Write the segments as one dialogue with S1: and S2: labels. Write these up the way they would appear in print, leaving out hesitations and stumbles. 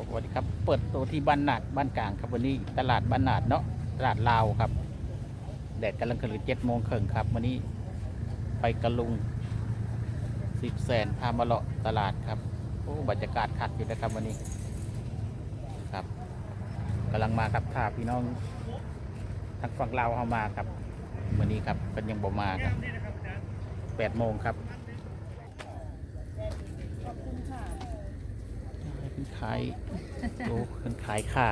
S1: สวัสดีครับเปิดตัวที่บ้านนาดบ้านกลางครับวันนี้ตลาดบ้านนาดเนาะตลาดลาวครับแดดกำลังขึ้น7 โมงครึ่งครับวันนี้ไปกระลุง10 แสนพามาเลาะตลาดครับโอ้บรรยากาศคักอยู่นะครับวันนี้ครับกำลังมาครับถ้าพี่น้องทางฝั่งลาวเข้ามาครับวันนี้ครับเป็นยังบ่มาครับ8 โมงครับขายโอ้คนขายข่า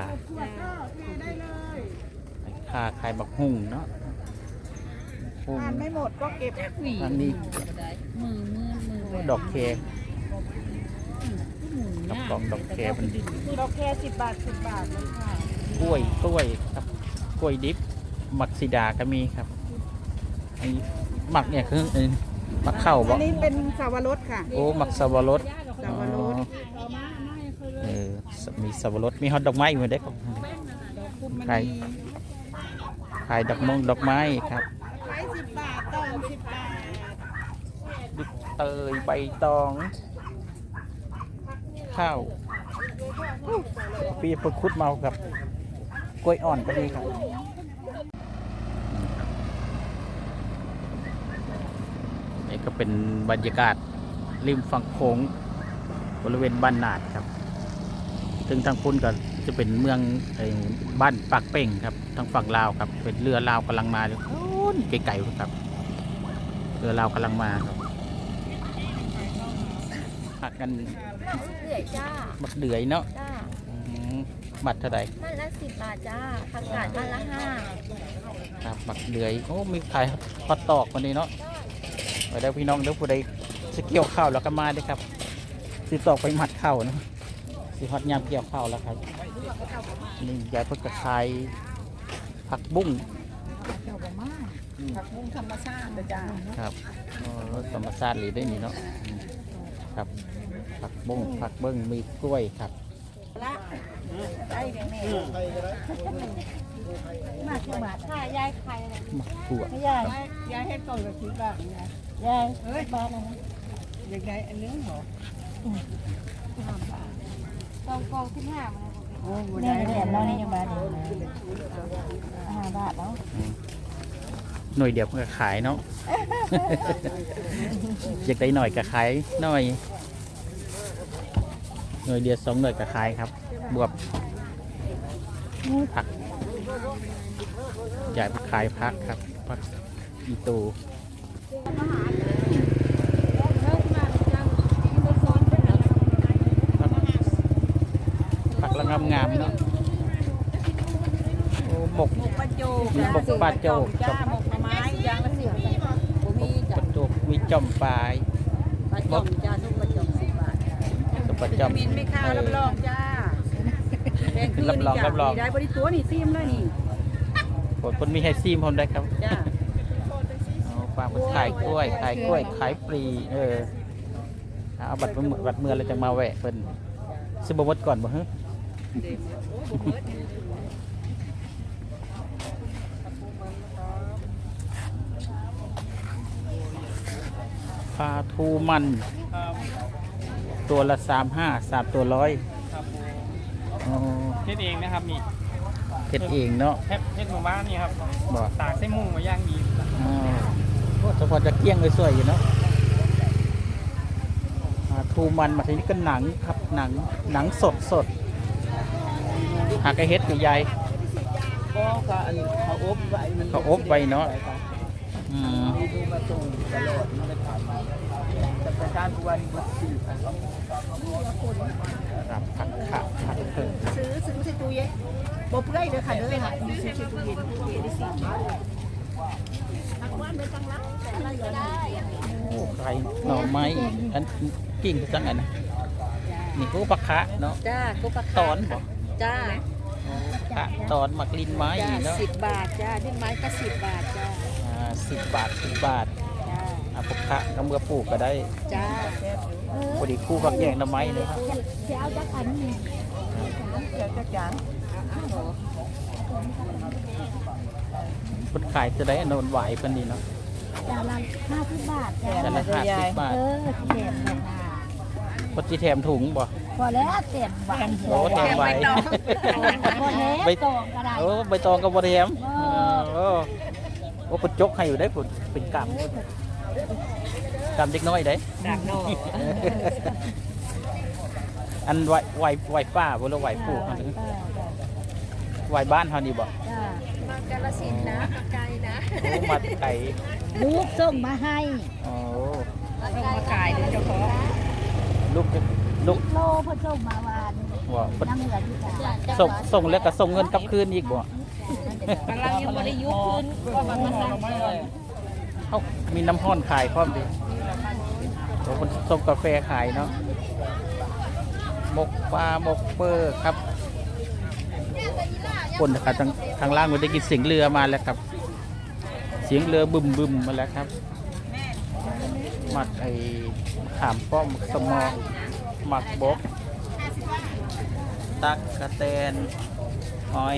S1: ขายบักหุ่งเนาะหุ่ง
S2: ทานไม่หมดก็เก็บ
S1: อันนี้
S3: มือ
S1: ดอกแคกับกล่องดอกแคมันดี
S2: เราแค่10 บาท10 บาทเลยค่ะ
S1: กล้วยครับกล้วยดิบหมักสีดาก็มีครับอันนี้หมักเนี่ยคือหมักข้าวบ่
S2: อันนี้เป็นสาวรสค่ะ
S1: โอ้หมักสับปะรด
S2: สับปะรด
S1: มีสับปะรดมีฮอตดอกไม้อยู่เด็กขายดอกมงดอกไม้ครับ
S2: ขาย10 บาทตอง10 บาท
S1: ดิบเตยใบตองข้าวปีปคุดเมากับกล้วยอ่อนก็ดีครับนี่ก็เป็นบรรยากาศริมฝั่งโขงบริเวณบ้านนาดครับถึงทางพุ่นก็จะเป็นเมืองบ้านปากเป่งครับทางฝั่งลาวครับเป็นเรือลาวกำลังมาเลยไกลๆครับเรือลาวกำลังมาครับผักกัน
S3: เดือยจ้า
S1: บักเดือยเนาะ
S3: จ้า
S1: บัตรเท่าไหร่
S3: บ้านละ10 บาทจ้าผักกาดบ้านละ5
S1: ครับบักเดือยโอ้มีขายฮอตตอกวันนี้เนาะไปได้พี่น้องเดี๋ยวผู้ใดจะเกี่ยวข้าวแล้วก็มาด้วยครับสิตอกไปหมัดข้าวนะสิฮอตยามเกี่ยวข้าวแล้วครับนี่ยายเพิ่งกระชายผักบุ้ง
S2: ผักบุ้งธรรมชาตินะจ๊ะ
S1: ครับธรรมชาติหรือได้นี่เนาะครับผักบุ้งผักเบิ้งมีกล้วยครับ
S2: ละได้แน่ๆมากี่บาท
S3: ค่ะยายไข่เลย
S1: มะกรูด
S2: ยายยายให้ก่อนกับ10 บาทไง
S3: ยาย
S2: เฮ้ยบาทอะไรอยากได้อันนึงเหรอ
S3: กอง15มา
S2: โอ้โห
S3: เนี่
S2: ได้
S3: ยเหรียญเรานี่ยังบาทเดียว5 บาทแล้ว
S1: หน่วยเดียวก็ขายเนาะ อยากได้หน่อยก็ขายหน่อยหน่วยเดียว2 หน่วยก็ขายครับบวบผักใหญ่ขายผักครับผักอีตูผักละงามๆเนาะโอ้หมก
S2: ปลาโจก
S1: มีหมกปลาโจก
S2: จ้าหมกไม้ยางละ10 บาทบ่มี
S1: ป
S2: จ้ะ
S1: ลาโจกมีจ่อมปลาย
S2: ปลาจ่อมจ้าทุกปลาจ่อม10 บาท
S1: กับปลา
S2: วิ
S1: จ่อ
S2: ตาม มินไม่ค่ารับรองจ้าแดงคือนี่จ้ะ
S1: รับรอง
S2: มีได้บริตัวนี่ซิมเลยนี่
S1: คนมีไฮซีมผมได้ครับ
S2: จ้า
S1: ฝากขายกล้วยขายปลีเอาบัตรเมื่อเราจะมาแวะเพิ่นซื้อบะมดก่อนบ่ฮะปลาทูมันตัวละ35 3 ตัว100
S4: ครับ
S1: อ๋อ
S4: เฮ็ดเองนะครับนี่
S1: เฮ็ดเองเนาะ
S4: เฮ็ดหมู่บ้านนี่ครับ
S1: บ่
S4: ตากใส่มุ้งมาย่างดี
S1: อ๋อโอ้เฉพาะจะเกี้ยงเลยสวยอยู่เนาะปลาทูมันมาทีนี้ก็หนังครับหนังสดหากระเฮ็ดกับยาย
S2: ก็ก็อันเขาอบไว้มัน
S1: เขาอบไว้เนาะอืม
S2: ดูมาส่งตลอดมันเลยผ่านมาแต่ประธานผู้ว่านี่ก็ซื้อค่ะ
S1: ครับผักเพิ่ง
S2: ซื้อใส่ตู้เย็นบ่เปื่อยเด้อค่ะเด้อค่ะซื้อใส่ตู้เย็นได้สิทักว่านไปจังละแต่อะไรก็ได้
S1: โอ้ไข่หน่อไม้อันกิ่งจังอันนะนี่ก็ปลาคะเนาะ
S2: จ้ากุปะ
S1: ตอนบ่
S2: จ้า
S1: คะตอนหมักลิ้นไม้
S2: จ้า
S1: เนาะ
S2: 10 บาทจ้าดิ้นไม้ก็10 บาทจ้า
S1: 10 บาท10 บาท
S2: จ้า
S1: เอาปลาคะก็เมื่อปลูกก็ได้
S2: จ้า
S1: พอดีคู่กับแยงหน่อไม้เลยครับ
S3: จะเอาจักอันนี้
S2: เดี๋ยวจักจาน
S1: คนขายจะได้อนนไหวเพิ่นดีเนาะ
S3: จานละ50 บาทจ้า
S1: แต่ละ50 บาท
S3: เออเขียนเลยนะ
S1: ปฏิแถมถุงบ่
S3: พอแล้วเต็มบ้าน
S1: โอ้แถมไว้
S3: พอแล้วตองก็ได้
S1: โอ้ใบตองกับบแถมโอ้โอ้ปจกให้อยู่ได้ผลเป็นกำเด็กน้อยได้
S2: ดักนอก
S1: อันไหวป้าบ่แล้วไหวปู่ไหวบ้านเฮานี่บ่
S3: จ้า
S2: มากาลสินนะมาไกลนะ
S1: โอ้มาไก่
S3: ลูกส่งมาให้
S1: โอ้
S2: ต้องมาไกลเดี๋ยวเจ้าของ
S1: ลูก
S3: โลเพิ่นส่งมาวาน
S1: ว่าเพิ่น
S3: น้ำเหลืออยู่จ้า
S1: ส่งแล้วก็ส่งเงินกลับคืนอีกบ่
S2: กำลังยังไม่ได้ยุบขึ้นก็มันมาสั่งเลย
S1: เอ้ามีน้ำห้อนขายพร้อมดิโอ้เพิ่นส่งกาแฟขายเนาะหมกปลาหมกเปอร์ครับคนนะครับทางล่างมันได้กินเสียงเรือมาแล้วครับ เสียงเรือบึมมาแล้วครับหมักไอ้ขามป้อมสมองหมักบกตักกระแตนหอย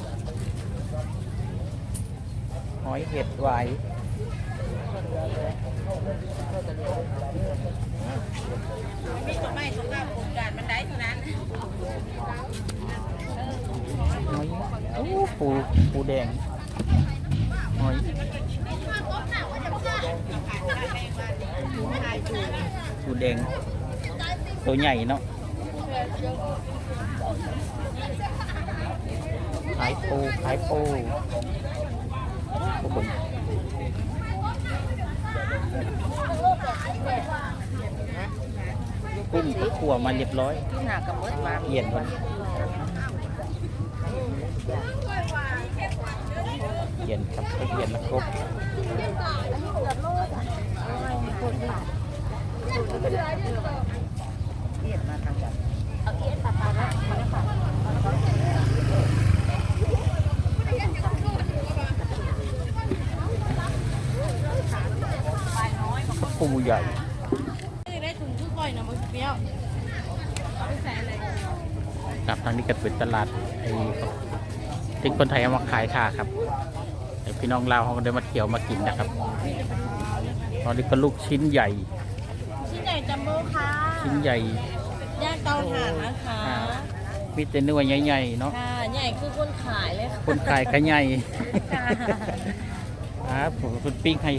S1: เห็ดไหวหอยโอ้ปูแดงหอยปูแดงตัวใหญ่เนาะขายปูโอ้โหกุ้งก็ขั่วมาเรียบร้อย
S2: หน้ากับเบิดมา
S1: เย็นวันเย็นครับเย็นแล้วครบปูใหญ่
S2: ได้ถุงชุดก่อยนะมันเปรี้ยวเอาไปใส่อะไร
S1: ครับทางนี้ก็เป็นตลาดไอ้ที่คนไทยเอามาขายค่ะครับไอ้พี่น้องลาวเขาก็ได้มาเที่ยวมากินนะครับตอนนี้ก็ลูกชิ้นใหญ่
S3: ชิ้นใหญ่จัมโบ้ค่ะ
S1: ชิ้นใหญ่
S3: ย่างเตาถ่านนะคะ
S1: มีแต่เนื้อใหญ่ๆเนาะ
S3: ค่ะใหญ่คือคนขายเลยค่ะ
S1: คนขายก็ใหญ่
S3: ค่ะ
S1: ครับผมคุณปิ้งให้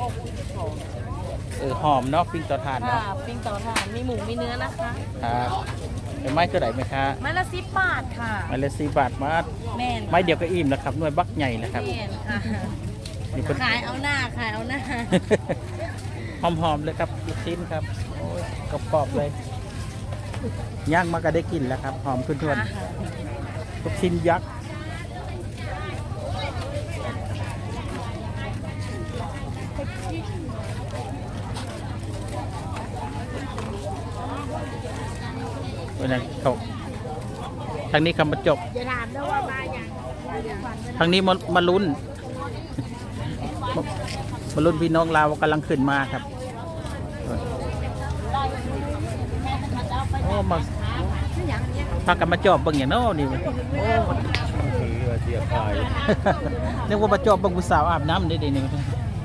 S1: หอมเนาะปิ้งเตาถ่าน
S3: ค่ะ
S1: เนาะ
S3: ปิ้งเตาถ่านมีหมูมีเนื้อนะคะ
S1: ครับเป็นไม้ตัวไหนไหมคะ
S3: ไม้ละ10 บาทค่ะ
S1: ไม้ละ4 บาทมา
S3: แม่น
S1: ไม้เดียวก็อิ่มแล้วครับหน่วยบักใหญ่แล้วครับ
S3: แม่นค่ะ
S1: นี่เป็น
S3: ขายเอาหน้าขายเอาหน้า
S1: หอมๆเลยครับลูกชิ้นครับโอ้ยกรอบๆเลยย่างมาก็ได้กินแล้วครับหอมทุนๆลูกชิ้นยักษ์วันนั้นเขาทางนี้คำบรรจบ
S3: อย่าถามนะว่ามาอย่าง
S1: ทางนี้มาลุ้น มาลุ้นพี่น้องลาวกำลังขึ้นมาครับโอ้มาพากันมาจอบเบิ่งอย่างโน้นี่โอ้นึกว่ามาจอบเบิ่งผู้สาวอาบน้ำได้ดีนี่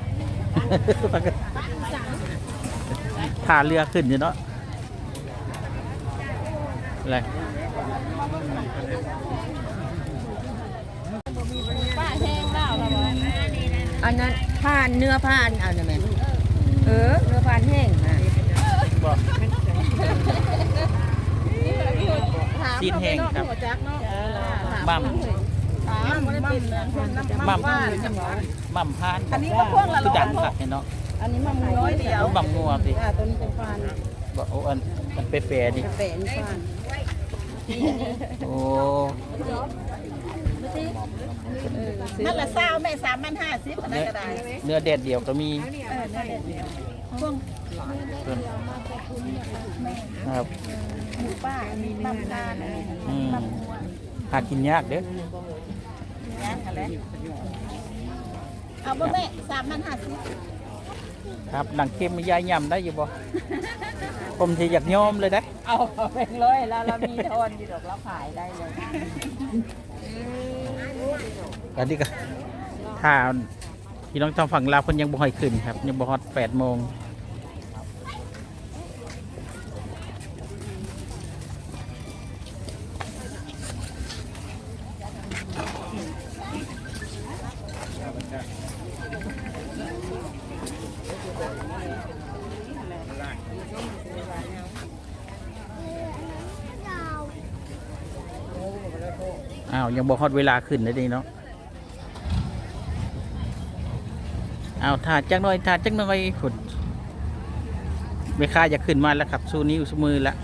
S1: ท่าเรือขึ้นอยู่เนาะอะไร
S3: ป้าแห้งเปล่าเราบอก
S2: อันนั้นผ่านเนื้อผ่านเอาเนี่ยแม่เนื้อผ่านแห้งนะ
S1: บอก ซีนแห้งครับมั่มพานอันนี้ก็พวกละคือดังผักเนาะ
S2: อันนี้มันน้อยเดียว
S1: บังงัวสิ
S2: ต้นเป็นผ่าน
S1: บอกโอ้อันเปรย์ดิ
S2: แปะนี่ผ่าน
S1: โอ้
S2: นั่นละเศร้าแม่3,050อันนั้นก็ได้
S1: เนื้อแดดเดียวก็มีครับ
S2: หมูป้ามีน้ำตาล
S1: หากินยากเด้อ
S2: นะอะไรเอาบ่แม่3,050
S1: ครับหนังเค็มมียายยำได้อยู่บ่ผมที่อยากยอมเลยนะ
S2: เอาเป็นร้อยแล้วเรามีทอนอยู่ดอกเราขายได้เลย
S1: อันนี้ก็ถ้าพี่น้องทางฝั่งลาวเพิ่นยังบ่ค่อยขึ้นครับยังบ่ฮอด8 โมงอ้าวยังบอกฮอดเวลาขึ้นเลยดีเนาะอ้าวถาดจักหน่อยถาดจักหน่อยฝุ่นแม่ค้าจะขึ้นมาแล้วครับสู้นิ้วสู้มือละ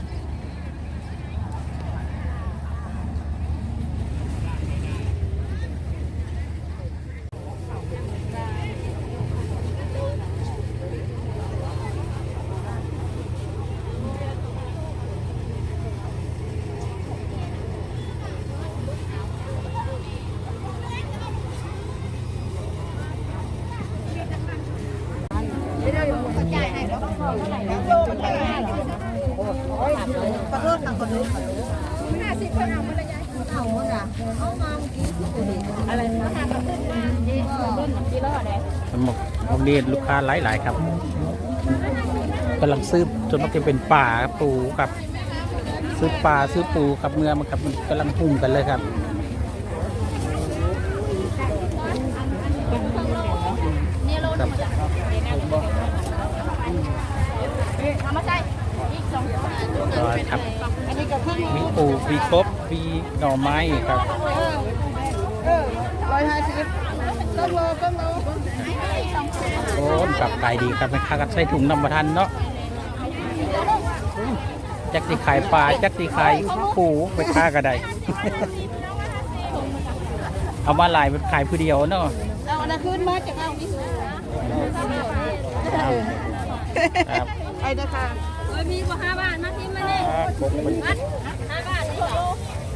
S2: ขอโทษค่ะขอโทษ50คนเอามาเลยยายเอาหมดอ่ะเอามาเมื่อกี้อะไรนะทางขึ้นมาต้นที่รอดเลย
S1: สมองเรียนลูกค้าหลายๆครับกำลังซื้อจนมันจะเป็นป่าปูกับซื้อปลาซื้อปูกับเมื่อมันกับมันกำลังพุ่งกันเลยครับครับ
S3: เอามาใส่อีก2
S1: ก็ครับ
S2: อันนี้ก็ขึ้น
S1: มีปูมีกบมีหน่อไม้ครับ
S2: 150ต้นโลต้นโล
S1: โอ้กลับขายดีครับแม่ค้าก็ใส่ถุงนำมาทันเนาะจักสิขายปลาจักสิขายปูไปค้าก็ได้ เอามาหลายเป็นขายผู้เดียวเนาะ
S2: เอาอันนั้นขึ้นมาจากเอานี่
S1: ครับ
S2: ไอ้นะคะ
S3: มีกว่า5 บาทมาทิ้งมาเนี่ย 5 บาทนี่โล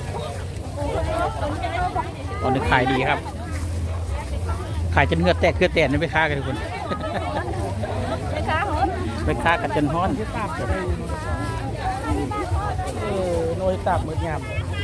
S1: ตอนนี้ขายดีครับ ขายจนเหงือแตกเกลือแตกนี่ไปค้ากันทุกคน
S3: ไปค้าเหรอ
S1: ไปค้ากันจนฮ้อนโน้ยตับมืดงาม